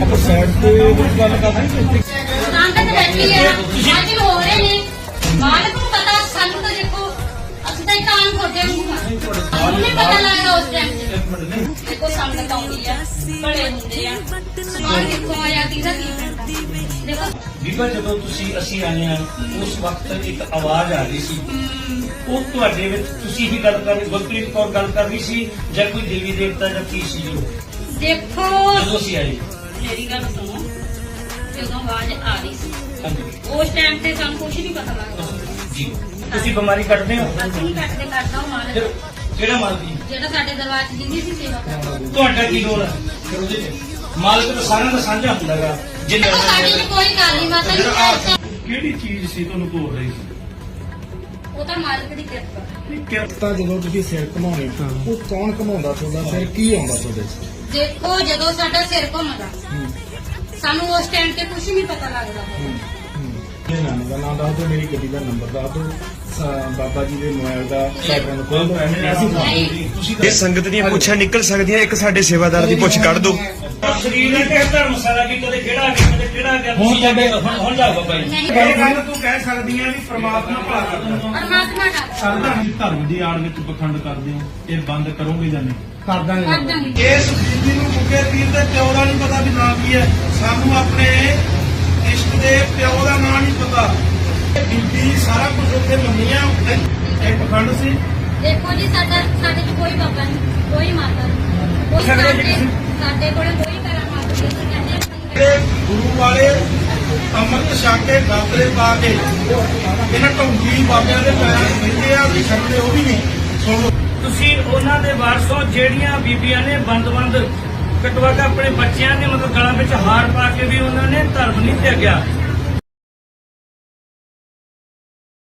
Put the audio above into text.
ਆਪਾਂ ਸਾਈਡ ਤੇ ਗੱਲ ਕਰਦੇ ਤਾਂ ਬੈਠੀ ਹੈ ਅੱਜ ਹੋ ਰਹੇ ਨੇ ਮਾਲਕ ਨੂੰ ਪਤਾ ਸਾਨੂੰ ਤਾਂ ਦੇਖੋ ਅਸੀਂ ਤਾਂ ਕਾਨ ਖੋਟੇ ਨੂੰ ਨਹੀਂ ਪਤਾ ਲੱਗਦਾ ਉਸ ਟਾਈਮ ਤੇ ਦੇਖੋ ਸੰਗਤ ਆਉਂਦੀ ਆ ਬੜੇ ਹੁੰਦੇ ਆ ਸਮਾਨ ਕਿੱਥੋਂ ਆਇਆ ਕਿਹਦਾ ਕੀ ਦੇਖੋ ਬੀਬਾ ਜਦੋਂ ਅਸੀਂ ਆਏ ਆ ਉਸ ਵਕਤ ਇੱਕ ਆਵਾਜ਼ ਆ ਰਹੀ ਸੀ ਉਹ ਤੁਹਾਡੇ ਵਿੱਚ ਤੁਸੀਂ ਹੀ ਗੱਲ ਕਰ ਗੁਰਪ੍ਰੀਤ ਕੌਰ ਗੱਲ ਕਰ ਰਹੀ ਸੀ ਜਾਂ ਕੋਈ ਦੇਵੀ ਦੇਵਤਾ ਜਾਂ ਕੀ ਸੀ ਜੋ ਦੇਖੋ ਜਦੋਂ ਅਸੀਂ ਆਏ ਮੇਰੀ ਗੱਲ ਸੁਣੋ ਜਦੋਂ ਆਵਾਜ਼ ਆ ਰਹੀ ਸੀ ਹਾਂਜੀ ਉਸ ਟਾਈਮ ਤੇ ਸਾਨੂੰ ਕੁਝ ਨਹੀਂ ਪਤਾ ਲੱਗਦਾ ਜੀ ਤੁਸੀਂ ਬਿਮਾਰੀ ਕੱਢਦੇ ਹੋ ਅਸੀਂ ਨਹੀਂ ਕੱਟਦੇ ਕਰਦਾ ਉਹ ਮਾਲਕ ਫਿਰ ਕਿਹੜਾ ਮਾਲਕ ਜੀ ਜਿਹੜਾ ਸਾਡੇ ਦਰਬਾਰ 'ਚ ਜਿੰਦੀ ਸੀ ਸੇਵਾ ਕਰਦਾ ਤੁਹਾਡਾ ਕੀ ਰੋਲ ਹੈ ਫਿਰ ਉਹਦੇ ਚ ਮਾਲਕ ਤਾਂ ਸਾਰਿਆਂ ਦਾ ਸਾਂਝਾ ਹੁੰਦਾ ਗਾ ਜਿੰਨੇ ਸਾਡੀ ਚ ਕੋਈ ਗੱਲ ਨਹੀਂ ਮਾਤਾ ਜੀ ਕਿਹੜੀ ਚੀਜ਼ ਸੀ ਤੁਹਾਨੂੰ ਤੋੜ ਰਹੀ ਸੀ ਉਹ ਤਾਂ ਮਾਲਕ ਦੀ ਕਿਰਪਾ ਕਿਰਤਾ ਜਦੋਂ ਤੁਸੀਂ ਸਿਰ ਘਮਾਉਣੇ ਉਹ ਕੌਣ ਘਮਾਉਂਦਾ ਤੁਹਾਡਾ ਸਿਰ ਕੀ ਆਉਂਦਾ ਤੁਹਾਡੇ ਦੇਖੋ ਜਦੋਂ ਸਾਡਾ ਸਿਰ ਘੁੰਮਦਾ ਸਾਨੂੰ ਉਸ ਟਾਈਮ ਤੇ ਕੁਝ ਨਹੀਂ ਪਤਾ ਲੱਗਦਾ ਇਹ ਨਾਮ ਦਾ ਨਾਮ ਦੱਸ ਦਿਓ ਮੇਰੀ ਗੱਡੀ ਦਾ ਨੰਬਰ ਦੱਸ ਦਿਓ ਬਾਬਾ ਜੀ ਦੇ ਮੋਬਾਈਲ ਦਾ ਸਾਈਕਲ ਨੂੰ ਖੋਲ ਦਿਓ ਤੁਸੀਂ ਇਹ ਸੰਗਤ ਦੀਆਂ ਪੁੱਛਾਂ ਨਿਕਲ ਸਕਦੀਆਂ ਇੱਕ ਸਾਡੇ ਸੇਵਾਦਾਰ ਦੀ ਪੁੱਛ ਕੱਢ ਦਿਓ ਸਰੀਰ ਨੇ ਕਿਹ ਧਰਮਸ਼ਾਲਾ ਕੀ ਕਦੇ ਕਿਹੜਾ ਆ ਗਿਆ ਕਦੇ ਕਿਹੜਾ ਆ ਗਿਆ ਤੁਸੀਂ ਜਾਂਦੇ ਹੁਣ ਜਾ ਬਾਬਾ ਜੀ ਇਹ ਗੱਲ ਤੂੰ ਕਹਿ ਸਕਦੀ ਆ ਵੀ ਪ੍ਰਮਾਤਮਾ ਭਲਾ ਕਰਦਾ ਪਰਮਾਤਮਾ ਦਾ ਕਰਦਾ ਧਰਮ ਦੀ ਆੜ ਵਿੱਚ ਪਖੰਡ ਕਰਦੇ ਹੋ ਇਹ ਬੰਦ ਕਰੋਗੇ ਜਾਂ ਨਹੀਂ ਕਰ ਦਾਂਗੇ ਇਸ ਬੀਬੀ ਨੂੰ ਗੁੱਗੇ ਪੀਰ ਦੇ ਪਿਓ ਦਾ ਨਹੀਂ ਪਤਾ ਵੀ ਨਾਂ ਕੀ ਹੈ ਸਾਨੂੰ ਆਪਣੇ ਇਸ਼ਕ ਦੇ ਪਿਓ ਦਾ ਨਾਂ ਨਹੀਂ ਪਤਾ ਇਹ ਬੀਬੀ ਸਾਰਾ ਕੁਝ ਉੱਥੇ ਮੰਨੀਆਂ ਇਹ ਪਖੰਡ ਸੀ ਦੇਖੋ ਜੀ ਸਾਡੇ ਚ ਕੋਈ ਬਾਬਾ ਨਹੀਂ ਕੋਈ ਮਾਤਾ ਨਹੀਂ ਕੋਈ ਸਾਡੇ ਕੋਲ ਕੋਈ ਕਰਾਮਾਤ ਨਹੀਂ ਅਸੀਂ ਕਹਿੰਦੇ ਜਿਹੜੇ ਗੁਰੂ ਵਾਲੇ ਅੰਮ੍ਰਿਤ ਛਕ ਕੇ ਗਾਤਰੇ ਪਾ ਕੇ ਇਹਨਾਂ ਢੋਂਗੀ ਬਾਬਿਆਂ ਦੇ ਪੈਰਾਂ 'ਚ ਬੈਠੇ ਆ ਵੀ ਛੱਡਦੇ ਉਹ ਵੀ ਨਹੀਂ ਸੁਣੋ ਤੁਸੀਂ ਉਹਨਾਂ ਦੇ ਵਾਰਸੋਂ ਜਿਹੜੀਆਂ ਬੀਬੀਆਂ ਨੇ ਬੰਦ ਕਟਵਾ ਕੇ ਆਪਣੇ ਬੱਚਿਆਂ ਦੇ ਮਤਲਬ ਗਲਾਂ ਵਿੱਚ ਹਾਰ ਪਾ ਕੇ ਵੀ ਉਹਨਾਂ ਨੇ ਧਰਮ ਨਹੀਂ ਤਿਆਗਿਆ